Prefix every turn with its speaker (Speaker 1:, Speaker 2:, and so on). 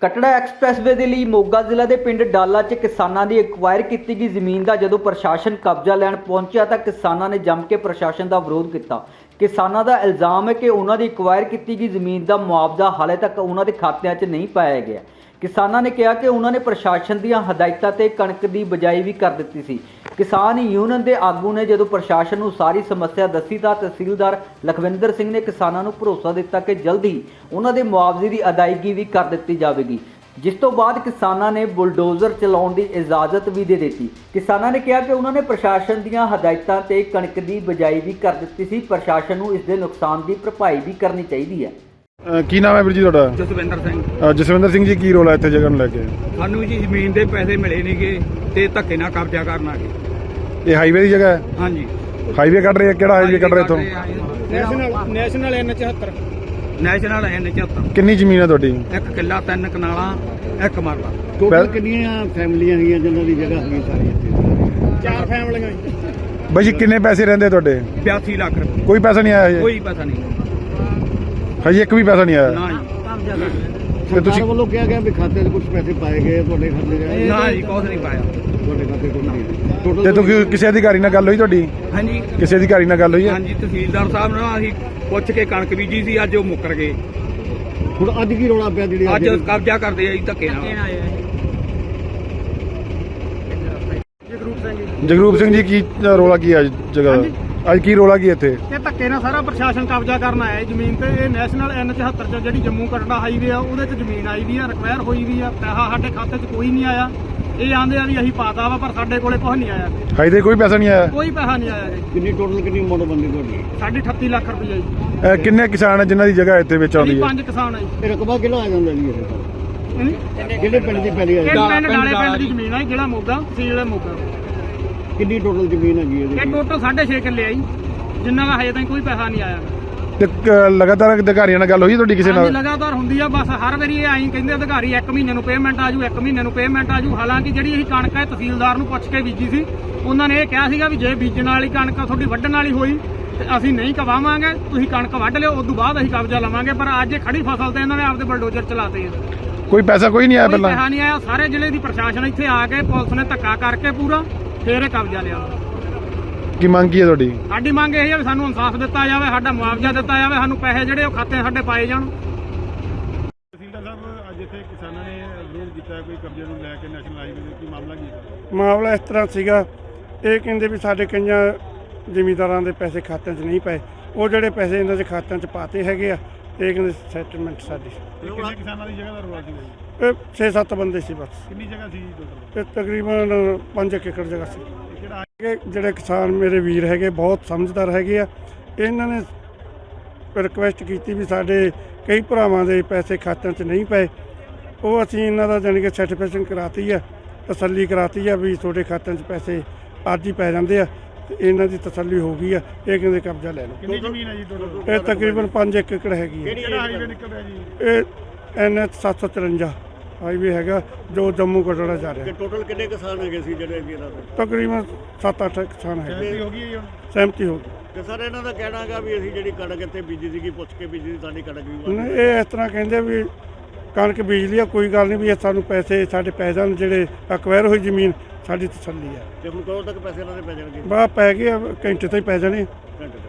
Speaker 1: कटड़ा एक्सप्रैसवे ਦੇ ਲਈ ਮੋਗਾ ਜ਼ਿਲ੍ਹਾ ਦੇ ਪਿੰਡ ਡਾਲਾ 'ਚ ਕਿਸਾਨਾਂ ਦੀ ਐਕਵਾਇਰ ਕੀਤੀ ਗਈ ਜ਼ਮੀਨ ਦਾ ਜਦੋਂ ਪ੍ਰਸ਼ਾਸਨ ਕਬਜ਼ਾ ਲੈਣ ਪਹੁੰਚਿਆ ਤਾਂ ਕਿਸਾਨਾਂ ਨੇ ਜੰਮ ਕੇ ਪ੍ਰਸ਼ਾਸਨ ਦਾ ਵਿਰੋਧ ਕੀਤਾ। ਕਿਸਾਨਾਂ ਦਾ ਇਲਜ਼ਾਮ ਹੈ ਕਿ ਉਹਨਾਂ ਦੀ ਐਕਵਾਇਰ ਕੀਤੀ ਗਈ ਜ਼ਮੀਨ ਦਾ ਮੁਆਵਜ਼ਾ ਹਾਲੇ ਤੱਕ ਉਹਨਾਂ ਦੇ ਖਾਤਿਆਂ 'ਚ ਨਹੀਂ ਪਾਇਆ ਗਿਆ। ਕਿਸਾਨਾਂ ਨੇ ਕਿਹਾ ਕਿ ਉਹਨਾਂ ਨੇ ਪ੍ਰਸ਼ਾਸਨ ਦੀਆਂ ਹਦਾਇਤਾਂ ਤੇ ਕਣਕ ਦੀ ਬਿਜਾਈ ਵੀ ਕਰ ਦਿੱਤੀ ਸੀ। किसान यूनियन के आगू ने जो प्रशासन को सारी समस्या दसी तो तहसीलदार लखविंदर सिंह ने किसानों को भरोसा दिता कि जल्द ही उन्होंने मुआवजे की अदायगी भी कर दी जाएगी, जिस तो बाद किसानों ने बुलडोजर चलाने की इजाजत भी दे दी। किसानों ने कहा कि उन्होंने प्रशासन दी हदायतों ते कणक की बिजाई भी कर दी सी, प्रशासन को इसके नुकसान की भरपाई भी करनी चाहिए है।
Speaker 2: ਕੀ ਨਾਮ ਹੈ ਵੀਰ ਜੀ ਤੁਹਾਡਾ?
Speaker 3: ਜਸਵਿੰਦਰ ਸਿੰਘ।
Speaker 2: ਜਸਵਿੰਦਰ ਸਿੰਘ ਜੀ, ਕੀ ਰੋਲ ਹੈ ਇੱਥੇ ਜਗ੍ਹਾ ਨੂੰ ਲੈ ਕੇ?
Speaker 3: ਸਾਨੂੰ ਜੀ ਜ਼ਮੀਨ ਦੇ ਪੈਸੇ ਮਿਲੇ ਨਹੀਂਗੇ ਤੇ ਧੱਕੇ ਨਾਲ ਕਬਜ਼ਾ ਕਰਨ ਆ ਗਏ।
Speaker 2: ਇਹ ਹਾਈਵੇ ਦੀ ਜਗ੍ਹਾ ਹੈ?
Speaker 3: ਹਾਂਜੀ।
Speaker 2: ਹਾਈਵੇ ਕੱਢ ਰਹੇ ਆ? ਕਿਹੜਾ ਹਾਈਵੇ ਕੱਢ ਰਹੇ ਇੱਥੋਂ?
Speaker 3: National N74। National N74।
Speaker 2: ਕਿੰਨੀ ਜ਼ਮੀਨ ਹੈ ਤੁਹਾਡੀ?
Speaker 3: 1 ਕਿੱਲਾ 3 ਕਨਾਲਾਂ 1 ਮਰਲਾ।
Speaker 4: ਟੋਟਲ ਕਿੰਨੀਆਂ ਫੈਮਲੀਆਂ ਹੈਗੀਆਂ ਜਿਨ੍ਹਾਂ ਦੀ ਜਗ੍ਹਾ ਹੈਗੀ ਸਾਰੀ ਇੱਥੇ?
Speaker 3: 4 ਫੈਮਲੀਆਂ।
Speaker 2: ਬਾਈ ਜੀ ਕਿੰਨੇ ਪੈਸੇ ਰਹਿੰਦੇ ਤੁਹਾਡੇ?
Speaker 3: 82 ਲੱਖ ਰੁਪਏ।
Speaker 2: ਕੋਈ ਪੈਸਾ ਨਹੀਂ ਆਇਆ ਹਜੇ?
Speaker 3: ਕੋਈ ਪੈਸਾ ਨਹੀਂ।
Speaker 2: ਹਜੇ ਇੱਕ ਵੀ ਪੈਸਾ ਨਹੀਂ ਆਇਆ?
Speaker 3: ਨਾ ਜੀ।
Speaker 4: ਸਰਕਾਰ ਵੱਲੋਂ ਕਿਹਾ ਗਿਆ ਵੀ ਖਾਤੇ 'ਚ ਕੁਝ ਪੈਸੇ ਪਾਏ ਗਏ, ਤੁਹਾਡੇ ਖਾਤੇ 'ਚ?
Speaker 3: ਨਾ ਜੀ, ਕੁਛ ਨਹੀਂ ਪਾਇਆ
Speaker 4: ਤੁਹਾਡੇ ਖਾਤੇ 'ਚ ਕੁਝ ਨਹੀਂ।
Speaker 2: ਤੇ
Speaker 4: ਟੋਟਲ
Speaker 2: ਤੁਸੀਂ ਕਿਸੇ ਅਧਿਕਾਰੀ ਨਾਲ ਗੱਲ ਹੋਈ ਤੁਹਾਡੀ?
Speaker 3: ਹਾਂਜੀ।
Speaker 2: ਕਿਸੇ ਅਧਿਕਾਰੀ ਨਾਲ ਗੱਲ ਹੋਈ ਹੈ?
Speaker 3: ਹਾਂਜੀ, ਤਹਿਸੀਲਦਾਰ ਸਾਹਿਬ ਨਾਲ ਅਸੀਂ ਪੁੱਛ ਕੇ ਕਣਕ ਬੀਜੀ ਸੀ, ਅੱਜ ਉਹ ਮੁੱਕਰ ਗਏ।
Speaker 4: ਹੁਣ ਅੱਜ ਕੀ ਰੌਲਾ ਪਿਆ ਜਿਹੜੀ
Speaker 3: ਅੱਜ ਕਬਜ਼ਾ ਕਰਦੇ ਆ ਜੀ ਧੱਕੇ ਨਾਲ।
Speaker 2: ਜਗਰੂਪ ਸਿੰਘ ਜੀ, ਕੀ ਰੋਲਾ ਕੀ ਹੈ ਅੱਜ ਜਗ੍ਹਾ ਦਾ? ਅੱਜ ਕੀ ਰੋਲਾ ਕੀ ਇੱਥੇ?
Speaker 5: ਇਹ ਧੱਕੇ ਨਾਲ ਸਾਰਾ ਪ੍ਰਸ਼ਾਸਨ ਕਬਜ਼ਾ ਕਰਨ ਆਇਆ ਹੈ ਜ਼ਮੀਨ ਤੇ। ਇਹ ਨੈਸ਼ਨਲ N74 ਚ ਜਿਹੜੀ ਜੰਮੂ ਕਟੜਾ ਹਾਈਵੇ ਆ ਉਹਦੇ 'ਚ ਜ਼ਮੀਨ ਆਈ ਵੀ ਆ, ਰਿਕਵਾਇਰ ਹੋਈ ਵੀ ਆ, ਪੈਸਾ ਸਾਡੇ ਖਾਤੇ 'ਚ ਕੋਈ ਨਹੀਂ ਆਇਆ। ਇਹ ਆਂਦੇ ਆ ਵੀ ਅਸੀਂ ਪਾਤਾ ਵਾ, ਪਰ ਸਾਡੇ ਕੋਲੇ ਕੁਝ ਨਹੀਂ ਆਇਆ।
Speaker 2: ਹਜੇ ਕੋਈ ਪੈਸਾ ਨਹੀਂ ਆਇਆ?
Speaker 5: ਕੋਈ ਪੈਸਾ ਨਹੀਂ ਆਇਆ ਜੀ।
Speaker 4: ਕਿੰਨੀ ਟੋਟਲ ਕਿੰਨੀ ਅਮਾਉਂਟ ਬੰਦੀ ਤੁਹਾਡੀ?
Speaker 5: ਸਾਡੀ 38 ਲੱਖ ਰੁਪਈਆ ਜੀ।
Speaker 2: ਕਿੰਨੇ ਕਿਸਾਨ ਹੈ ਜਿਨ੍ਹਾਂ ਦੀ ਜਗ੍ਹਾ ਇੱਥੇ ਵਿੱਚ ਆਉਂਦੀ ਹੈ?
Speaker 5: 5 ਕਿਸਾਨ ਆ ਜੀ।
Speaker 4: ਇਹ ਰਕਬਾ ਕਿਹੜਾ ਆ ਜਾਂਦਾ ਜੀ?
Speaker 5: ਹਾਂਜੀ।
Speaker 4: ਕਿਹੜੇ ਪਿੰਡ ਦੀ ਪੈਲੀ
Speaker 5: ਇਹ
Speaker 4: ਹੈ?
Speaker 5: ਪਿੰਡ ਡਾਲੇ ਪਿੰਡ ਦੀ ਜ਼ਮੀਨ ਆ, ਜਿਹੜਾ ਮੋਗਾ ਤਹਿਸੀਲ ਹੈ ਮੋਗਾ।
Speaker 4: ਕਿੰਨੀ ਟੋਟਲ ਜ਼ਮੀਨ ਹੈਗੀ
Speaker 5: ਇਹ
Speaker 4: ਇਹਦੀ?
Speaker 5: ਟੋਟਲ 6.5 ਕਿੱਲੇ ਆ ਜੀ, ਜਿੰਨਾ ਦਾ ਹਜੇ ਤਾਈਂ ਕੋਈ ਪੈਸਾ ਨਹੀਂ ਆਇਆ।
Speaker 2: ਤੇ ਲਗਾਤਾਰ ਅਧਿਕਾਰੀਆਂ ਨਾਲ ਗੱਲ ਹੋਈ ਤੁਹਾਡੀ ਕਿਸੇ
Speaker 5: ਹਾਂਜੀ,
Speaker 2: ਨਾਲ?
Speaker 5: ਲਗਾਤਾਰ ਹੁੰਦੀ ਆ। ਬਸ ਹਰ ਵਾਰੀ ਇਹ ਆਈ ਕਹਿੰਦੇ ਅਧਿਕਾਰੀ 1 ਮਹੀਨੇ ਨੂੰ ਪੇਮੈਂਟ ਆਜੂ, 1 ਮਹੀਨੇ ਨੂੰ ਪੇਮੈਂਟ ਆਜੂ। ਹਾਲਾਂਕਿ ਜਿਹੜੀ ਅਸੀਂ ਕਣਕ ਹੈ ਤਹਿਸੀਲਦਾਰ ਨੂੰ ਪੁੱਛ ਕੇ ਬੀਜੀ ਸੀ, ਉਹਨਾਂ ਨੇ ਇਹ ਕਿਹਾ ਸੀਗਾ ਵੀ ਜੇ ਬੀਜਣ ਵਾਲੀ ਕਣਕ ਤੁਹਾਡੀ ਵੱਢਣ ਵਾਲੀ ਹੋਈ ਤੇ ਅਸੀਂ ਨਹੀਂ ਕਵਾਵਾਂਗੇ, ਤੁਸੀਂ ਕਣਕ ਵੱਢ ਲਿਓ, ਉਸ ਤੋਂ ਬਾਅਦ ਅਸੀਂ ਕਬਜ਼ਾ ਲਵਾਂਗੇ। ਪਰ ਅੱਜ ਖੜੀ ਫਸਲ ਤੇ ਇਹਨਾਂ ਨੇ ਆਪਦੇ ਬਲਡੋਜ਼ਰ ਚਲਾਤੇ ਆ।
Speaker 2: ਕੋਈ ਪੈਸਾ ਕੋਈ ਨਹੀਂ ਆਇਆ
Speaker 5: ਕੋਈ
Speaker 2: ਪਹਿਲਾਂ?
Speaker 5: ਪੈਸਾ ਨਹੀਂ ਆਇਆ। ਸਾਰੇ ਜ਼ਿਲ੍ਹੇ ਦੀ ਪ੍ਰਸ਼ਾਸਨ ਇੱਥੇ ਆ ਕੇ ਪੁਲਿਸ ਨੇ ਧੱਕਾ ਕਰਕੇ ਪੂਰਾ ਫੇਰ ਇਹ ਕਬਜ਼ਾ ਲਿਆ।
Speaker 2: ਕੀ ਮੰਗ ਕੀ ਹੈ ਤੁਹਾਡੀ?
Speaker 5: ਸਾਡੀ ਮੰਗ ਇਹ ਹੈ ਵੀ ਸਾਨੂੰ ਇਨਸਾਫ ਦਿੱਤਾ ਜਾਵੇ, ਸਾਡਾ ਮੁਆਵਜ਼ਾ ਦਿੱਤਾ ਜਾਵੇ, ਸਾਨੂੰ ਪੈਸੇ ਜਿਹੜੇ ਉਹ ਖਾਤੇ ਸਾਡੇ ਪਾਏ ਜਾਣ।
Speaker 2: ਤਹਿਸੀਲਦਾਰ ਸਾਹਿਬ, ਅੱਜ ਇੱਥੇ ਕਿਸਾਨਾਂ ਨੇ ਵਿਰੋਧ ਕੀਤਾ ਕੋਈ ਕਬਜ਼ੇ ਨੂੰ ਲੈ ਕੇ ਨੈਸ਼ਨਲ ਹਾਈਵੇ ਦੇ, ਕੀ ਮਾਮਲਾ ਕੀ ਹੈ?
Speaker 6: ਮਾਮਲਾ ਇਸ ਤਰ੍ਹਾਂ ਸੀਗਾ, ਇਹ ਕਹਿੰਦੇ ਵੀ ਸਾਡੇ ਕਈਆਂ ਜ਼ਿਮੀਂਦਾਰਾਂ ਦੇ ਪੈਸੇ ਖਾਤਿਆਂ 'ਚ ਨਹੀਂ ਪਏ। ਉਹ ਜਿਹੜੇ ਪੈਸੇ ਇਹਨਾਂ ਦੇ ਖਾਤਿਆਂ 'ਚ ਪਾਤੇ ਹੈਗੇ ਆ, ਇਹ ਕਹਿੰਦੇ ਸੈਟਲਮੈਂਟ ਸਾਡੀ।
Speaker 2: ਕਿੰਨੇ ਕਿਸਾਨਾਂ ਦੀ ਜਗ੍ਹਾ ਦਾ ਰੌਲਾ ਸੀ?
Speaker 6: ਇਹ 6-7 ਬੰਦੇ ਸੀ ਬਸ।
Speaker 2: ਕਿੰਨੀ ਜਗ੍ਹਾ ਸੀ ਟੋਟਲ?
Speaker 6: ਇਹ ਤਕਰੀਬਨ 5 ਏਕੜ ਜਗ੍ਹਾ ਸੀ।
Speaker 2: ਕਿਹੜਾ
Speaker 6: ਇਹ ਜਿਹੜੇ ਕਿਸਾਨ ਮੇਰੇ ਵੀਰ ਹੈਗੇ ਬਹੁਤ ਸਮਝਦਾਰ ਹੈਗੇ ਆ, ਇਹਨਾਂ ਨੇ ਰਿਕੁਐਸਟ ਕੀਤੀ ਵੀ ਸਾਡੇ ਕਈ ਭਰਾਵਾਂ ਦੇ ਪੈਸੇ ਖਾਤਿਆਂ 'ਚ ਨਹੀਂ ਪਏ। ਉਹ ਅਸੀਂ ਇਹਨਾਂ ਦਾ ਜਾਣੀ ਕਿ ਸਰਟੀਫਿਕੇਸ਼ਨ ਕਰਾਤੀ ਆ, ਤਸੱਲੀ ਕਰਾਤੀ ਆ ਵੀ ਤੁਹਾਡੇ ਖਾਤਿਆਂ 'ਚ ਪੈਸੇ ਅੱਜ ਹੀ ਪੈ ਜਾਂਦੇ ਆ। ਤੇ ਇਹਨਾਂ ਦੀ ਤਸੱਲੀ ਹੋ ਗਈ ਆ, ਇਹ ਕਹਿੰਦੇ ਕਬਜ਼ਾ ਲੈ ਲਓ।
Speaker 2: ਕਿੰਨੀ ਜ਼ਮੀਨ ਹੈ ਜੀ ਟੋਟਲ?
Speaker 6: ਇਹ ਤਕਰੀਬਨ 5 ਏਕੜ ਹੈਗੀ ਹੈ।
Speaker 2: ਕਿਹੜਾ ਹਾਈਵੇ ਨਿਕਲ ਰਿਹਾ ਜੀ?
Speaker 6: ਇਹ NH 753 ਹਾਈਵੇ ਹੈਗਾ ਜੋ ਜੰਮੂ ਕਟੜਾ ਜਾ ਰਿਹਾ।
Speaker 4: ਟੋਟਲ ਕਿੰਨੇ ਕਿਸਾਨ ਹੈਗੇ ਸੀ ਜਿਹੜੇ ਅੱਗੇ ਦਾ?
Speaker 6: ਤਕਰੀਬਨ 7-8 ਕਿਸਾਨ ਹੈਗੇ।
Speaker 2: ਸਹਿਮਤੀ ਹੋ ਗਈ ਹੈ ਜੀ ਹੁਣ?
Speaker 6: ਸਹਿਮਤੀ ਹੋ ਗਈ।
Speaker 4: ਤੇ ਸਰ ਇਹਨਾਂ ਦਾ ਕਹਿਣਾ ਹੈਗਾ ਵੀ ਅਸੀਂ ਜਿਹੜੀ ਕਣਕ ਇੱਥੇ ਬੀਜੀ ਸੀਗੀ ਪੁੱਛ ਕੇ ਬੀਜੀ ਸੀ, ਸਾਡੀ ਕਣਕ ਵੀ
Speaker 6: ਨਹੀਂ, ਇਹ ਇਸ ਤਰ੍ਹਾਂ ਕਹਿੰਦੇ ਵੀ ਕਣਕ ਬੀਜ ਲਈ ਆ, ਕੋਈ ਗੱਲ ਨਹੀਂ ਵੀ ਇਹ ਸਾਨੂੰ ਪੈਸੇ ਸਾਡੇ ਪੈ ਜਾਣ, ਜਿਹੜੇ ਅਕਵਾਇਰ ਹੋਈ ਜ਼ਮੀਨ ਸਾਡੀ ਤਸੱਲੀ ਆ।
Speaker 4: ਤੇ ਹੁਣ ਕਦੋਂ ਤੱਕ ਪੈਸੇ ਇਹਨਾਂ ਦੇ ਪੈ ਜਾਣਗੇ?
Speaker 6: ਬਾਹਰ ਪੈ ਗਏ ਆ, ਘੰਟੇ ਤੋਂ ਹੀ ਪੈ ਜਾਣੇ।
Speaker 4: ਘੰਟੇ